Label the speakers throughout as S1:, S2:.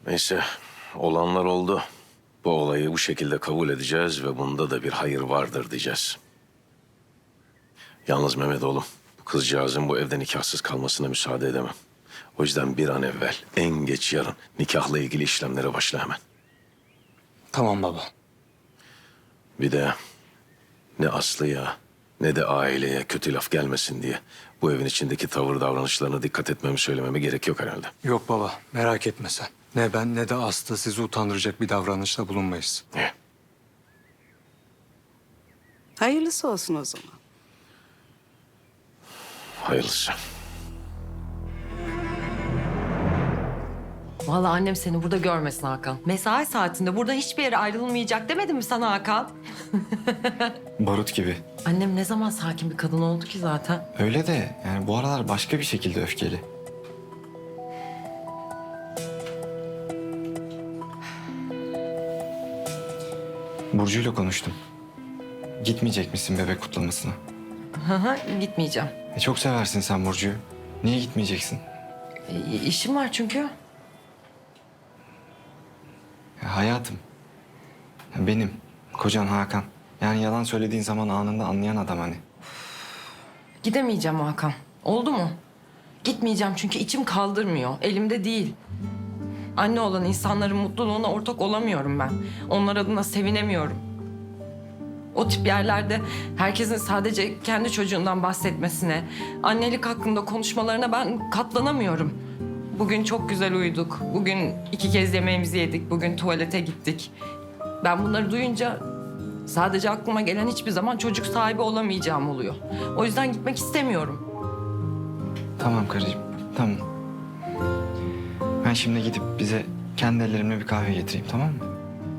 S1: Neyse, olanlar oldu. Bu olayı bu şekilde kabul edeceğiz ve bunda da bir hayır vardır diyeceğiz. Yalnız Mehmet oğlum, bu kızcağızın bu evde nikahsız kalmasına müsaade edemem. O yüzden bir an evvel, en geç yarın nikahla ilgili işlemlere başla hemen.
S2: Tamam baba.
S1: Bir de ne Aslı'ya ne de aileye kötü laf gelmesin diye bu evin içindeki tavır davranışlarına dikkat etmemi söylememe gerek yok herhalde.
S2: Yok baba, merak etme sen. Ne ben ne de Aslı sizi utandıracak bir davranışta bulunmayız.
S1: İyi.
S3: Hayırlısı olsun o zaman.
S1: Hayırlısı.
S4: Vallahi annem seni burada görmesin Hakan. Mesai saatinde burada hiçbir yere ayrılmayacak demedim mi sana Hakan?
S5: Barut gibi.
S4: Annem ne zaman sakin bir kadın oldu ki zaten?
S5: Öyle de yani bu aralar başka bir şekilde öfkeli. Burcu'yla konuştum. Gitmeyecek misin bebek kutlamasına?
S4: Hı hı, gitmeyeceğim.
S5: Çok seversin sen Burcu'yu. Niye gitmeyeceksin?
S4: İşim var çünkü.
S5: Hayatım. Benim. Kocan Hakan. Yani yalan söylediğin zaman anında anlayan adam hani.
S4: Gidemeyeceğim Hakan. Oldu mu? Gitmeyeceğim çünkü içim kaldırmıyor. Elimde değil. Anne olan insanların mutluluğuna ortak olamıyorum ben. Onlar adına sevinemiyorum. O tip yerlerde herkesin sadece kendi çocuğundan bahsetmesine, annelik hakkında konuşmalarına ben katlanamıyorum. Bugün çok güzel uyuduk. Bugün 2 kez yemeğimizi yedik. Bugün tuvalete gittik. Ben bunları duyunca sadece aklıma gelen hiçbir zaman çocuk sahibi olamayacağım oluyor. O yüzden gitmek istemiyorum.
S5: Tamam karıcığım. Tamam. Ben şimdi gidip bize kendi ellerimle bir kahve getireyim, tamam mı?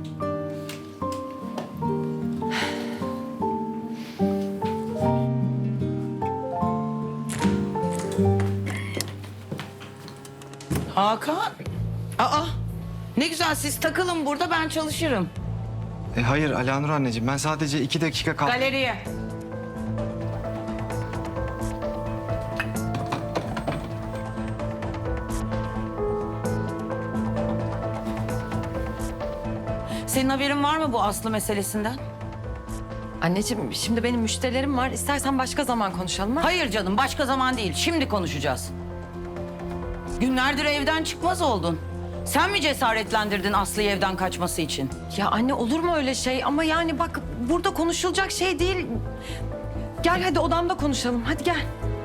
S3: Hakan. Aa, ne güzel siz takılın burada ben çalışırım.
S5: Hayır Alanur anneciğim, ben sadece 2 dakika kal...
S3: Galeriye. Senin haberin var mı bu Aslı meselesinden?
S4: Anneciğim şimdi benim müşterilerim var. İstersen başka zaman konuşalım ha?
S3: Hayır canım başka zaman değil. Şimdi konuşacağız. Günlerdir evden çıkmaz oldun. Sen mi cesaretlendirdin Aslı'yı evden kaçması için?
S4: Ya anne olur mu öyle şey? Ama yani bak burada konuşulacak şey değil. Gel hadi odamda konuşalım. Hadi gel.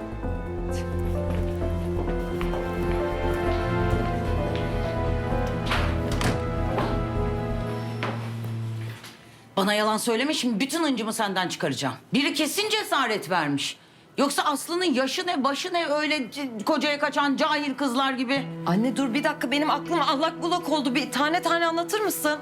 S3: Bana yalan söyleme şimdi bütün hıncımı senden çıkaracağım. Biri kesin cesaret vermiş. Yoksa Aslı'nın yaşı ne başı ne öyle kocaya kaçan cahil kızlar gibi.
S4: Anne dur bir dakika benim aklım allak bullak oldu. Bir tane tane anlatır mısın?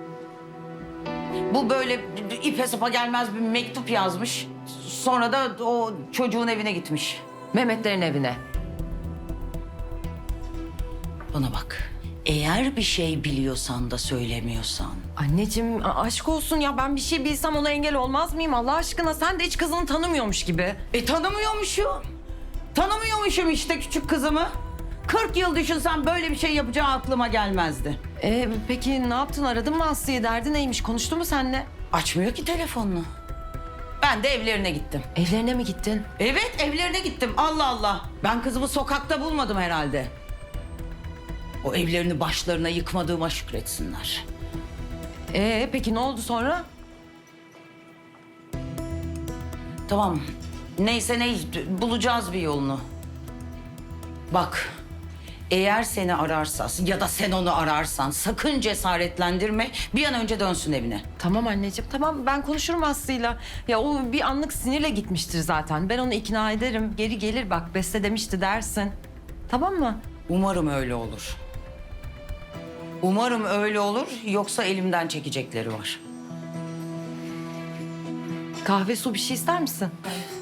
S3: Bu böyle ipe sapa gelmez bir mektup yazmış. Sonra da o çocuğun evine gitmiş.
S4: Mehmetlerin evine.
S3: Bana bak. Eğer bir şey biliyorsan da söylemiyorsan.
S4: Anneciğim aşk olsun ya ben bir şey bilsem ona engel olmaz mıyım Allah aşkına? Sen de hiç kızını tanımıyormuş gibi.
S3: Tanımıyormuşum. Tanımıyormuşum işte küçük kızımı. 40 yıl düşünsem böyle bir şey yapacağı aklıma gelmezdi.
S4: Peki ne yaptın aradın mı Aslı'yı derdi neymiş konuştu mu seninle?
S3: Açmıyor ki telefonunu. Ben de evlerine gittim.
S4: Evlerine mi gittin?
S3: Evet evlerine gittim Allah Allah. Ben kızımı sokakta bulmadım herhalde. O evlerini başlarına yıkmadığıma şükretsinler.
S4: Peki ne oldu sonra?
S3: Tamam. Neyse bulacağız bir yolunu. Bak. Eğer seni ararsa ya da sen onu ararsan sakın cesaretlendirme. Bir an önce dönsün evine.
S4: Tamam anneciğim tamam ben konuşurum Aslı'yla. Ya o bir anlık sinirle gitmiştir zaten. Ben onu ikna ederim. Geri gelir bak Beste demişti dersin. Tamam mı?
S3: Umarım öyle olur. Umarım öyle olur yoksa elimden çekecekleri var.
S4: Kahve su bir şey ister misin?